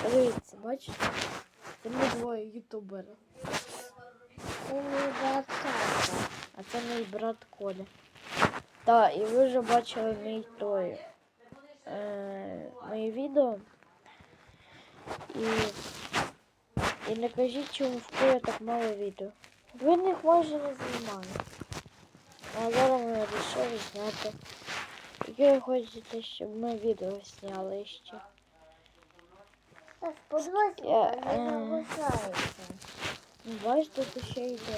Дивіться, бачите? Це ми двоє ютубери. Це мій брат Саша. А це мій брат Коля. Так, і ви вже бачили мої відео. І не кажіть, чому в Коля так мало відео. Ви них майже не знімаєте. А зараз ми вирішили зняти. Яке ви хочете, щоб ми відео зняли ще? Так, подивись, не загружається. Ну, бачите, тут ще йде.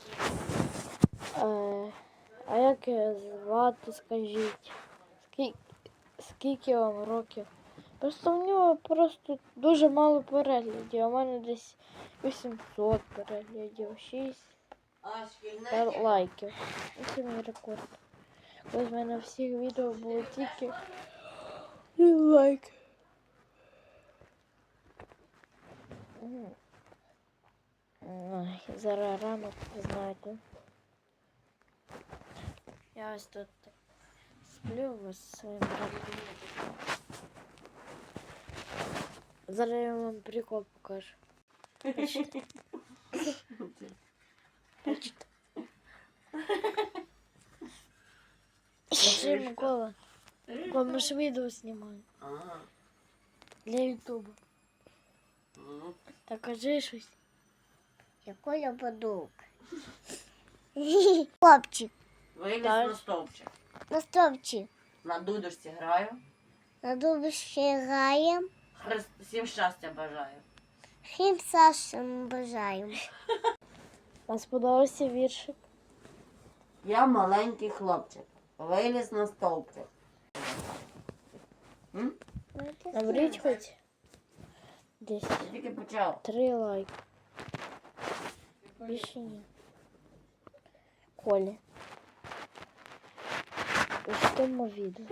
А як звати, скажіть? Скільки вам років? Просто в нього просто дуже мало переглядів. А в мене десь 800 переглядів, 6 лайків. Це мій рекорд. Ось в мене всіх відео було тільки лайк. Ой, зараз ранок, ви знаєте. Я ось тут сплю ось зі своїм братом. Зараз я вам прикол покажу. Бачите? Бачите? Це Микола. Микола, ми ж відео знімаємо. Для ютубу. Так кажи щось. Я Коля подруг. Хлопчик. Виліз Так. на стовпчик. На стовпчик. На дудочці граю. На дубищі граємо. Всім щастя бажаю. Всім Сашем бажаємо. Вам сподобався віршик? Я маленький хлопчик. Виліз на стовпчик. Наберіть хоч десь Тільки почав. 3 лайки. Більше ні. Колі. Ось в тому відео.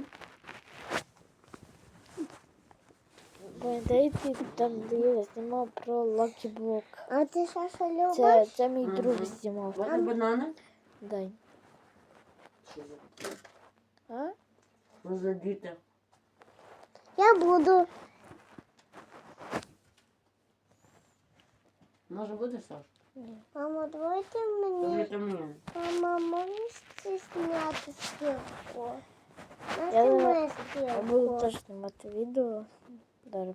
Пам'ятаєте, там де я знімав про Lucky Block. А ти Саша любиш? Це мій друг знімав. Вони банани? Дай. Що за? А? Ну за діти. Я буду. Може буде, Саш? Мамо, давайте мені. Давайте мені. Мама, можеш зняти стрілку? Я Нажми буду стрілку. теж знімати відео. Зараз